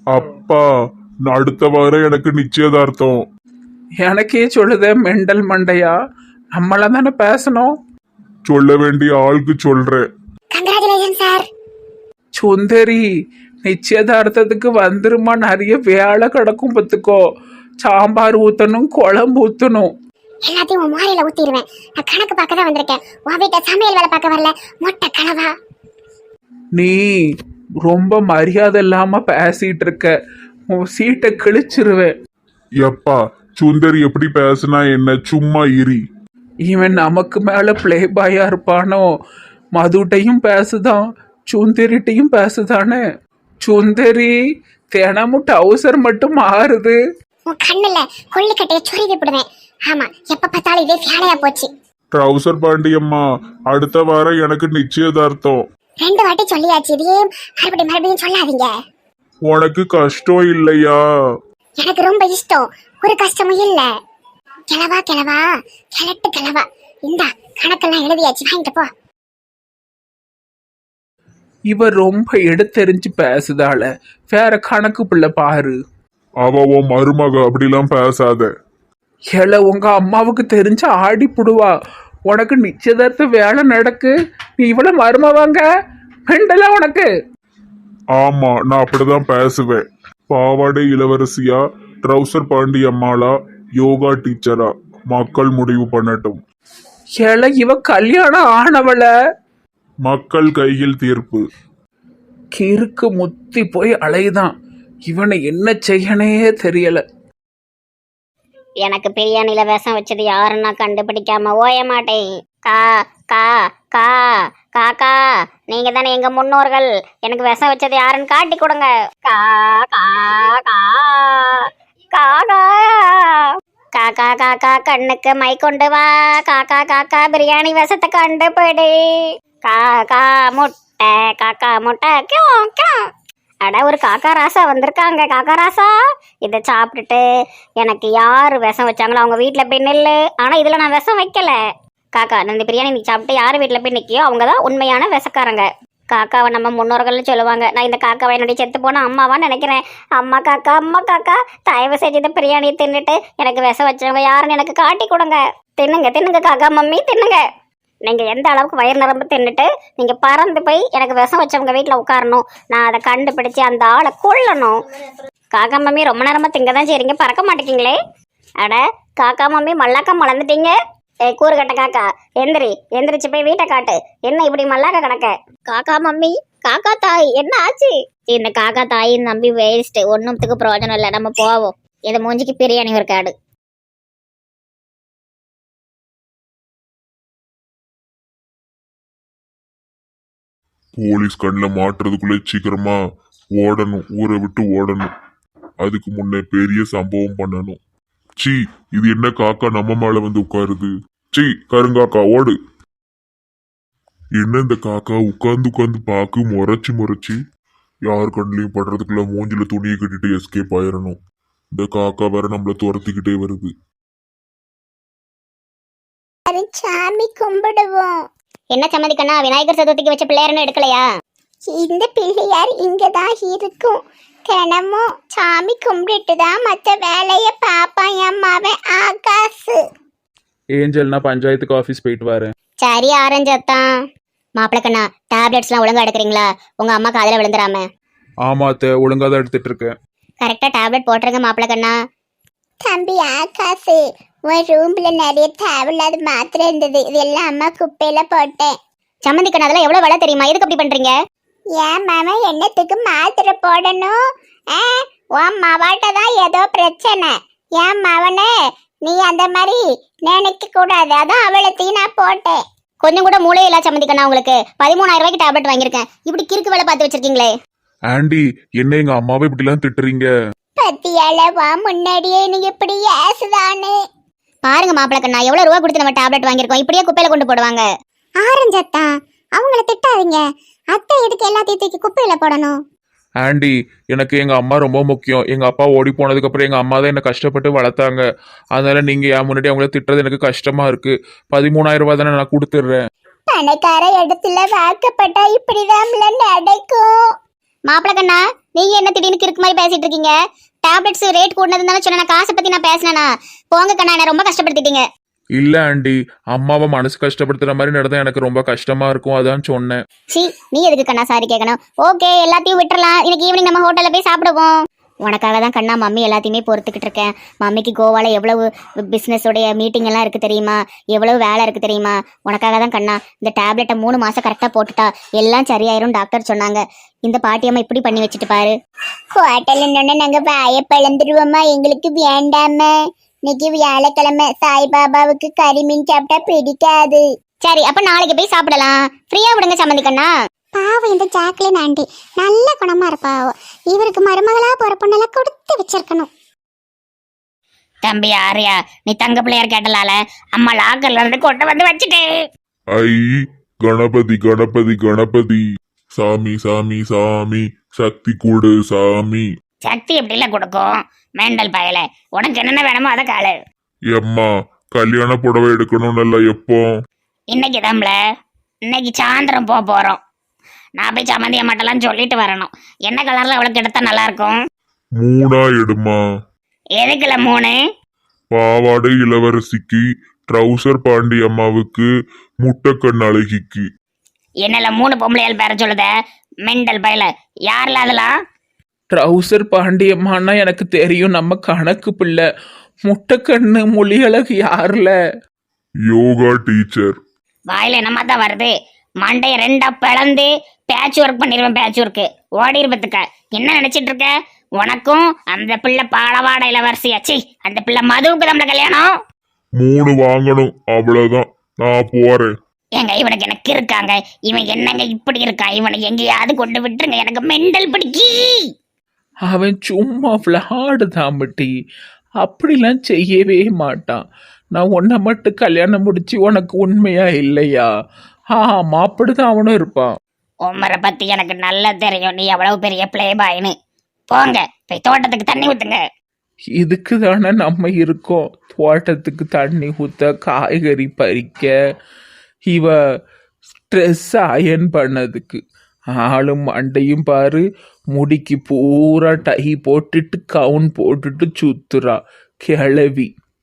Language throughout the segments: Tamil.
அப்பா, நான் அடுத்த வாரம் எனக்கு நிச்சயதார்த்தம். எனக்கே சொல்லுத மெண்டல் மண்டையா, நம்மள தானே பேசணும். சொல்ல வேண்டிய ஆளுக்கு சொல்றேன். Congratulation sir. சுந்தரி, நிச்சயதார்த்தத்துக்கு வந்துருமா, நிறைய வேலை கிடக்கும் பத்துக்கோ. சாம்பார் ஊத்தணும், குழம்பு ஊத்தணும். எல்லாத்தையும் உன் மாலையில ஊத்திடுவேன். நான் கணக்கு பார்க்க தான் வந்திருக்கேன். உன் வீட்டை சமையல் வேலை பார்க்க வரல. மொட்டை கனவா. நீ ரொம்ப மரியாதை இல்லாம பேசிட்டு இருக்க. உன் சீட்டை கிழிச்சிருவேன். எப்பா, சுந்தரி எப்படி பேசுனா என்ன? சும்மா இரி. இவன் நமக்கு மேல பிளே பாயா இருப்பானோ? மதுட்டையும் பேசுதான், சுந்தரிட்டையும் பேசுதானே. சுந்தரி, தினமும் டவுசர் மட்டும் மாறுது. உன் கண்ணுல கொள்ளிக்கட்டைய சொருவி விடுவேன். ஆமா, எப்ப பார்த்தாலும் இதே வேலையா போச்சு. ட்ரௌசர் பாண்டியம்மா, அடுத்த வாரம் எனக்கு நிச்சயதார்த்தம். 2 வாட்டி சொல்லியாச்சு. இதே மறுபடியும் சொல்லாதீங்க. உனக்கு கஷ்டம் இல்லையா? எனக்கு ரொம்ப இஷ்டம். ஒரு கஷ்டமும் இல்ல. கிளவா கிளட்டு கிளவா. இந்த கணக்கெல்லாம் எழுதியாச்சு, வாங்கிட்டு போ. இவ ரொம்ப எடுத்தெறிஞ்சு பேசுதால. வேற கணக்கு பிள்ளை பாரு. அவ உன் மருமக, அப்படிலாம் பேசாத. ஏல, உங்க அம்மாவுக்கு தெரிஞ்ச ஆடி புடுவா. உனக்கு நிச்சயதார்த்த வேலை நடக்கு, நீ இவ்வளவு மருமவாங்க மெண்டலா உனக்கு? ஆமா, நான் அப்படிதான் பேசுவேன். பாவாடை இளவரசியா, ட்ரௌசர் பாண்டியம்மாளா, யோகா டீச்சரா, மக்கள் முடிவு பண்ணட்டும். ஏல, இவ கல்யாணம் ஆனவள. மக்கள் கையில் தீர்ப்பு. கிறுக்கு முத்தி போய் அலைதான். இவனை என்ன செய்யனே தெரியல. எனக்கு பிரியாணியில விஷம் வச்சது யாருன்னா கண்டுபிடிக்காம ஓய மாட்டேன். கா கா கா காக்கா, நீங்க தானே எங்க முன்னோர்கள். எனக்கு விஷம் வச்சது யாருன்னு காட்டி கொடுங்க. கா கா கா காக்கா காக்கா காக்கா, கண்ணுக்கு மை கொண்டு வா. காக்கா காக்கா, பிரியாணி விஷத்தை கண்டுபிடி. காக்கா முட்டை, காக்கா முட்டை, கியூ கியூ. அட, ஒரு காக்கா ராசா வந்திருக்காங்க. காக்கா ராசா, இதை சாப்பிட்டுட்டு எனக்கு யார் விஷம் வச்சாங்களோ அவங்க வீட்டில் போய் நில்லு. ஆனால் இதில் நான் விஷம் வைக்கல. காக்கா, இந்த பிரியாணி நீ சாப்பிட்டு யார் வீட்டில் போய் நிற்கியோ அவங்க தான் உண்மையான விஷக்காரங்க. காக்காவை நம்ம முன்னோர்கள்னு சொல்லுவாங்க. நான் இந்த காக்காவை என்னுடைய செத்து போன அம்மாவான்னு நினைக்கிறேன். அம்மா காக்கா, தயவு செஞ்சு இந்த பிரியாணியை தின்னுட்டு எனக்கு விஷம் வச்சவங்க யாருன்னு எனக்கு காட்டி கொடுங்க. தின்னுங்க காக்கா மம்மி, தின்னுங்க. நீங்கள் எந்த அளவுக்கு வயிறு நிரம்பு தின்னுட்டு நீங்கள் பறந்து போய் எனக்கு விஷம் வச்சவங்க வீட்டில் உட்காரணும். நான் அதை கண்டுபிடிச்சி அந்த ஆளை கொல்லணும். காக்கா மம்மி, ரொம்ப நேரமாக திங்க தான் சரிங்க, பறக்க மாட்டேங்கிங்களே. அட, காக்கா மம்மி மல்லாக்கா மலர்ந்துட்டீங்க. கூறுகட்ட காக்கா, எந்திரிச்சு போய் வீட்டை காட்டு. என்ன இப்படி மல்லாக்க கிடக்க? காக்கா மம்மி, காக்கா தாய், என்ன ஆச்சு? இந்த காக்கா தாயின் நம்பி வேஸ்ட், ஒன்றுத்துக்கு பிரயோஜனம் இல்லை. நம்ம போவோம். இந்த மூஞ்சிக்கு பிரியாணி ஒரு காடு. போலீஸ் கண்ணில் மாட்டுறதுக்குள்ளே சீக்கிரமா ஓடணும், ஊரை விட்டு ஓடணும். அதுக்கு முன்னே பெரிய சம்பவம் பண்ணணும். சீ, இது என்ன காக்கா நம்ம மேல வந்து உட்காருது? சீ, கருங்காக்கா ஓடு. என்ன இந்த காக்கா உட்கார்ந்து பாக்கு முறைச்சு யார் கண்ணிலையும் படுறதுக்குள்ள மூஞ்சில துணியை கட்டிட்டு எஸ்கேப் ஆயிரணும். இந்த காக்கா வேற நம்மள துரத்திக்கிட்டே வருது. சாமி கும்பிடுவோம். என்ன சம்மதிக்கண்ணா, விநாயகர் சதுர்த்திக்கு வச்ச பிள்ளையாருன்னு எடுக்கலையா? இந்த பிள்ளையார் இங்கதான் இருக்கும். தினமும் சாமி கும்பிட்டு தான் மற்ற வேலையை பாப்பான் அம்மாவன் ஆகாசு. ஏஞ்சல், நான் பஞ்சாயத்துக்கு ஆஃபீஸ் போயிட்டு வரேன். சரி, ஆரஞ்சத்தான். மாப்பிள்ள கண்ணா, டேப்லெட்ஸ்லாம் ஒழுங்கா எடுக்கிறீங்களா? உங்க அம்மா காதில் விழுந்துடாம. ஆமாத்த, ஒழுங்கா தான் எடுத்துட்டு இருக்கேன். கரெக்டா டேப்லெட் போட்டுருங்க மாப்பிள்ள கண்ணா. தம்பி ஆகாசு, உன் ரூம்ல நிறைய தேவையில்லாத மாத்திரை இருந்தது. இதெல்லாம் அம்மா குப்பையில போட்டேன். சம்மந்தி கண்ணா, அதெல்லாம் எவ்வளவு விலை தெரியுமா? எதுக்கு அப்படி பண்றீங்க? ஏன் மாமா என்னத்துக்கு மாத்திரை போடணும்? உன் மவாட்ட தான் ஏதோ பிரச்சனை. ஏன் மவனே, நீ அந்த மாதிரி நினைக்க கூடாது. அதான் அவளத்தையும் நான் போட்டேன். கொஞ்சம் கூட மூளை இல்ல சம்மந்தி கண்ணா. உங்களுக்கு 13,000 ரூபாய்க்கு டேப்லெட் வாங்கியிருக்கேன். இப்படி கிறுக்கு வேலை பார்த்து வச்சிருக்கீங்களே. ஆண்டி, என்ன எங்க அம்மாவை இப்படிலாம் திட்டுறீங்க? பத்தியாலவா முன்னாடியே நீ இப்படி ஏசுதானே. பாருங்க மாப்பிள்ள கண்ணா, எவ்வளவு ரூபா கொடுத்து நம்ம டேப்லெட் வாங்கியிருக்கோம். இப்படியே குப்பையில கொண்டு போடுவாங்க. ஆரஞ்சத்தா, அவங்கள திட்டாதீங்க. அத்தை எதுக்கு எல்லாத்தையும் தூக்கி குப்பையில போடணும்? ஆண்டி, எனக்கு எங்க அம்மா ரொம்ப முக்கியம். எங்க அப்பா ஓடி போனதுக்கு அப்புறம் எங்க அம்மா தான் என்ன கஷ்டப்பட்டு வளர்த்தாங்க. அதனால நீங்க என் முன்னாடி அவங்கள திட்டுறது எனக்கு கஷ்டமா இருக்கு. 13,000 ரூபாய் தானே, நான் கொடுத்துடுறேன். பணக்கார இடத்துல வாக்கப்பட்டா இப்படிதான் நடக்கும். மாப்பிள்ள கண்ணா, நீங்க என்ன திடீர்னு கிறுக்கு மாதிரி பேசிட்டு இருக்கீங்க? டேப்லெட்ஸ் ரேட் கூடனது தானே சொன்னேன். காசை பத்தி நான் பேசினேனா? போங்க கண்ணா, என்ன ரொம்ப கஷ்டப்படுத்திட்டீங்க. இல்ல ஆண்டி, அம்மாவை மனசு கஷ்டப்படுத்துற மாதிரி நடந்தா எனக்கு ரொம்ப கஷ்டமா இருக்கும், அதான் சொன்னேன். சி, நீ எதுக்கு கண்ணா சாரி கேட்கணும்? ஓகே, எல்லாத்தையும் விட்டுறலாம். இன்னைக்கு ஈவினிங் நம்ம ஹோட்டல்ல போய் சாப்பிடுவோம். உனக்காக தான் கண்ணா மம்மி எல்லாத்தையுமே பொறுத்துக்கிட்டு இருக்கேன். மம்மிக்கு கோவால எவ்வளவு பிசினஸ் உடைய மீட்டிங் எல்லாம் இருக்கு தெரியுமா? எவ்வளவு வேலை இருக்கு தெரியுமா? உனக்காக தான் கண்ணா. இந்த டேப்லெட்டை 3 மாசம் கரெக்டா போட்டுட்டா எல்லாம் சரியாயிரும் டாக்டர் சொன்னாங்க. இந்த பாட்டியம்மா இப்படி பண்ணி வச்சுட்டு பாரு. ஹோட்டல்ல நாங்க வாய பழந்துருவோமா? எங்களுக்கு வேண்டாம. இன்னைக்கு வியாழக்கிழமை, சாய்பாபாவுக்கு கறிமீன் சாப்பிட்டா பிடிக்காது. சரி, அப்ப நாளைக்கு போய் சாப்பிடலாம். ஃப்ரீயா விடுங்க சம்மந்தி கண்ணா. பாவம் இந்த ஜாக்லின் ஆண்டி நல்ல குணமா இருப்பா. இவருக்கு மருமகளா போற பொண்ணெல்லாம் கொடுத்து வச்சிருக்கணும். தம்பி ஆரியா, நீ தங்க பிள்ளையார் கேட்டலால அம்மா லாக்கர்ல இருந்து கொண்டு வந்து வச்சுட்டு. ஐ கணபதி கணபதி கணபதி, சாமி சாமி சாமி, சக்தி கூடு சாமி. சக்தி எப்படில கொடுக்கும்? மேண்டல் பயல, உனக்கு என்னென்ன வேணுமோ அதை காலு. எம்மா கல்யாண புடவை எடுக்கணும்னு எப்போ? இன்னைக்கு தான்ல, இன்னைக்கு சாயந்தரம் போறோம். நான் போய் சம்மந்தி அம்மாட்டெல்லாம் சொல்லிட்டு வரணும். என்ன கலர்ல அவளுக்கு எடுத்தா நல்லா இருக்கும்? 3 எடுமா. எதுக்குல 3? பாவாடை இளவரசிக்கு, ட்ரௌசர் பாண்டி அம்மாவுக்கு, முட்டைக்கண் அழகிக்கு. என்னல 3 பொம்பளையால் பேர சொல்லுத? மெண்டல் பயல, யாருல அதெல்லாம்? ட்ரௌசர் பாண்டியம்மான்னா எனக்கு தெரியும், நம்ம கணக்கு பிள்ளை. முட்டைக்கண்ணு மொழியழகு யாருல? யோகா டீச்சர். வாயில என்னமா தான் வருது? மண்டைய 2 பிளந்து பேட்ச் ஒர்க் பண்ணிடுவேன். பேட்ச் ஒர்க்கு ஓடி இருப்பதுக்க என்ன நினைச்சிட்டு இருக்க? உனக்கும் அந்த பிள்ளை பாலவாட இளவரசியாச்சு, அந்த பிள்ளை மதுவுக்கு நம்மள கல்யாணம். 3 வாங்கணும், அவ்வளவுதான். நான் போறேன். ஏங்க இவனுக்கு எனக்கு இருக்காங்க, இவன் என்னங்க இப்படி இருக்கான்? இவனை எங்கேயாவது கொண்டு விட்டுருங்க, எனக்கு மெண்டல் பிடிக்கி. அவன் சும்மா விளையாடுதான் பட்டி, அப்படிலாம் செய்யவே மாட்டான். நான் உன்னை மட்டும் கல்யாணம் முடிச்சு உனக்கு உண்மையா இல்லையா? ஆமா, அப்படிதான் அவனும் இருப்பான். உம்மரை பத்தி எனக்கு நல்லா தெரியும், நீ எவ்வளவு பெரிய பிளே பாய்னு. போங்க போய் தோட்டத்துக்கு தண்ணி ஊத்துங்க. இதுக்கு தானே நம்ம இருக்கோம், தோட்டத்துக்கு தண்ணி ஊத்த, காய்கறி பறிக்க, இவ ஸ்ட்ரெஸ் அயன் பண்ணதுக்கு. ஆளும் மண்டையும் பாரு, முடிக்கு பூரா டை போட்டுட்டு கவுன் போட்டுட்டு சுத்துறா கிளவி.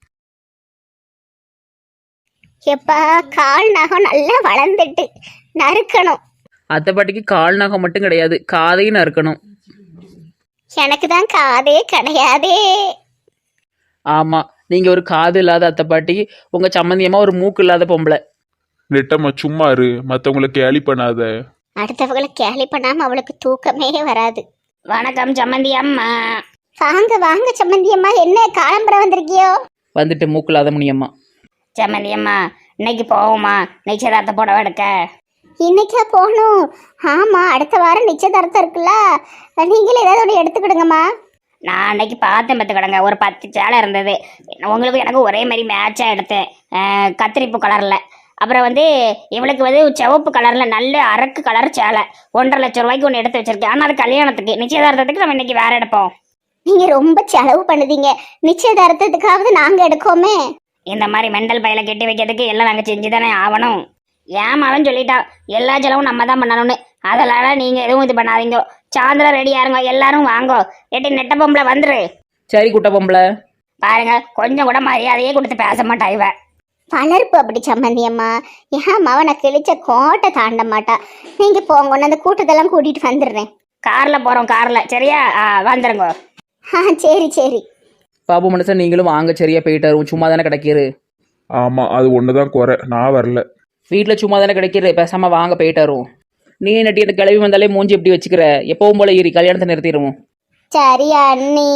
எப்பா, கால் நகம் நல்லா வளர்ந்துட்டு நறுக்கணும். அத்தை பாட்டிக்கு கால் நகம் மட்டும் கிடையாது, காதையும் நறுக்கணும். எனக்கு தான் காதே கிடையாதே. ஆமா, நீங்க ஒரு காது இல்லாத அத்தை பாட்டி, உங்க சம்மந்தியமா ஒரு மூக்கு இல்லாத பொம்பளை. நெட்டம்மா சும்மா இரு, மற்றவங்களை கேலி பண்ணாத. அடுத்தவங்களை கேலி பண்ணாம அவளுக்கு தூக்கமே வராது. வணக்கம் சம்மந்தி அம்மா. வாங்க வாங்க சம்மந்தி அம்மா, என்ன காலம்பரம் வந்திருக்கியோ? வந்துட்டு மூக்கு இல்லாத முனியம்மா. சம்மந்தி அம்மா, இன்னைக்கு போவோமா நிச்சயதார்த்த புடவை எடுக்க? இன்னைக்கா போகணும்? ஆமா, அடுத்த வாரம் நிச்சயதார்த்தம் இருக்குல்ல, நீங்களே ஏதாவது ஒன்று எடுத்துக்கிடுங்கம்மா. நான் அன்னைக்கு பார்த்தேன் பார்த்துக்கிடுங்க, ஒரு 10 சேலை இருந்தது. உங்களுக்கு எனக்கு ஒரே மாதிரி மேட்சாக எடுத்தேன், கத்திரிப்பு கலரில். அப்புறம் இவளுக்கு சிவப்பு கலரில் நல்ல அரக்கு கலர் சேலை 1.5 லட்சம் ரூபாய்க்கு ஒன்று எடுத்து வச்சிருக்கேன். ஆனால் அது கல்யாணத்துக்கு, நிச்சயதார்த்தத்துக்கு நம்ம இன்னைக்கு வேற எடுப்போம். நீங்க ரொம்ப செலவு பண்ணுதீங்க, நிச்சயதார்த்தத்துக்காவது நாங்க எடுக்கோமே. இந்த மாதிரி மெண்டல் பையில கெட்டி வைக்கிறதுக்கு எல்லாம் நாங்கள் செஞ்சு தானே ஆகணும். ஏமாவன் சொல்லிட்டா எல்லா செலவும் நம்ம தான் பண்ணணும்னு. அதனால நீங்கள் எதுவும் இது பண்ணாதீங்க. சாயந்தரம் ரெடியா இருங்க, எல்லாரும் வாங்கோ. எட்டி நெட்ட பொம்பளை வந்துரு. சரி குட்ட பொம்பளை. பாருங்க, கொஞ்சம் கூட மரியாதையே கொடுத்து பேச மாட்டா இவ. வளர்ப்பு அப்படி சம்மந்தி அம்மா. ஏன் மவனை கிழிச்ச கோட்டை தாண்ட மாட்டா. நீங்க போங்க, அந்த கூட்டத்தெல்லாம் கூட்டிட்டு வந்துடுறேன். கார்ல போறோம், கார்ல. சரியா? வந்துருங்க. சரி சரி. பாபு மனுஷன் நீங்களும் வாங்க, சரியா போயிட்டு வருவோம். சும்மா தானே கிடைக்கிறு. ஆமா, அது ஒண்ணுதான் குறை, நான் வரல. வீட்டில் சும்மா தானே கிடைக்கிறு, பேசாம வாங்க போயிட்டு வருவோம். நீ நட்டி அந்த கிளவி வந்தாலே மூஞ்சி எப்படி வச்சுக்கிற? எப்பவும் போல ஏறி கல்யாணத்தை நிறுத்திடுவோம். சரி அண்ணி.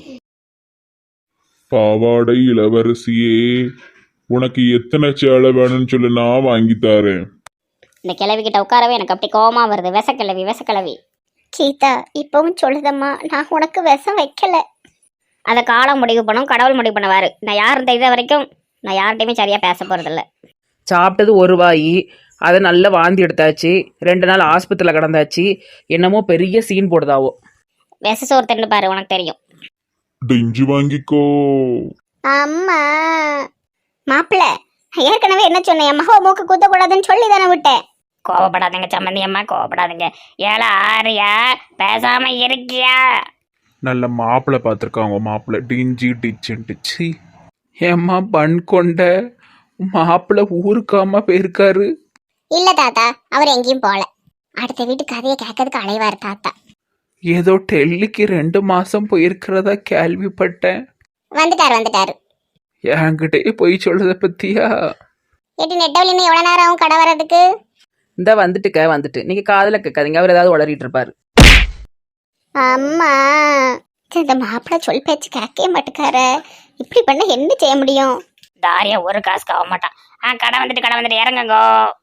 பாவாடை இளவரசியே, உனக்கு எத்தனை சேலை வேணும்னு சொல்லி நான் வாங்கி தரேன். இந்த கிழவி கிட்ட உட்காரவே எனக்கு அப்படி கோவமா வருது. விசக்கிழவி விசக்கிழவி. சீதா, இப்பவும் சொல்லுதம்மா, நான் உனக்கு விஷம் வைக்கல. அதை காலம் முடிவு பண்ணும், கடவுள் முடிவு பண்ணுவாரு. நான் யாரும் தெரிஞ்ச வரைக்கும் நான் யார்கிட்டையுமே சரியா பேச போறதில்ல. சாப்பிட்டது ஒரு வாய், அதை நல்லா வாந்தி எடுத்தாச்சு. 2 நாள் ஆஸ்பத்திரியில் கிடந்தாச்சு. என்னமோ பெரிய சீன் போடுதாவோ. விச சோறு தின்னு பாரு, உனக்கு தெரியும். டிஞ்சு வாங்கிக்கோ. அம்மா மாப்பிள்ள, ஏற்கனவே என்ன சொன்னேன், என் மகா மூக்கு குத்தக்கூடாதுன்னு சொல்லி தானே விட்டேன். கோவப்படாதீங்க சம்மந்தி அம்மா, கோவப்படாதீங்க. ஏழை ஆரியா, பேசாம இருக்கியா? நல்ல மாப்பிள்ளை பார்த்துருக்காங்க மாப்பிள்ளை டிஞ்சி டிச்சுன்ட்டுச்சு. ஏம்மா பன் கொண்ட மாப்பிள்ளை ஊருக்காம போயிருக்காரு. இல்ல தாத்தா, அவர் எங்கேயும் போல. அடுத்த வீட்டு கதையை கேட்கறதுக்கு அலைவார் தாத்தா. ஏதோ டெல்லிக்கு 2 மாசம் போயிருக்கிறதா கேள்விப்பட்டேன். வந்துட்டாரு. என்கிட்டயே போய் சொல்றத பத்தியா? எட்டி நெட்டவழி இன்னும் எவ்வளவு நேரம் ஆகும் கடை வர்றதுக்கு? இந்த வந்துட்டு நீங்க காதுல கேட்காதீங்க, அவர் ஏதாவது உளறிட்டு இருப்பாரு. அம்மா, இந்த மாப்பிள்ளை சொல் பேச்சு கேட்கவே மாட்டுக்காரு. இப்படி பண்ண என்ன செய்ய முடியும்? தாரியா ஒரு காசுக்கு ஆக மாட்டான். கடை வந்துட்டு இறங்குங்கோ.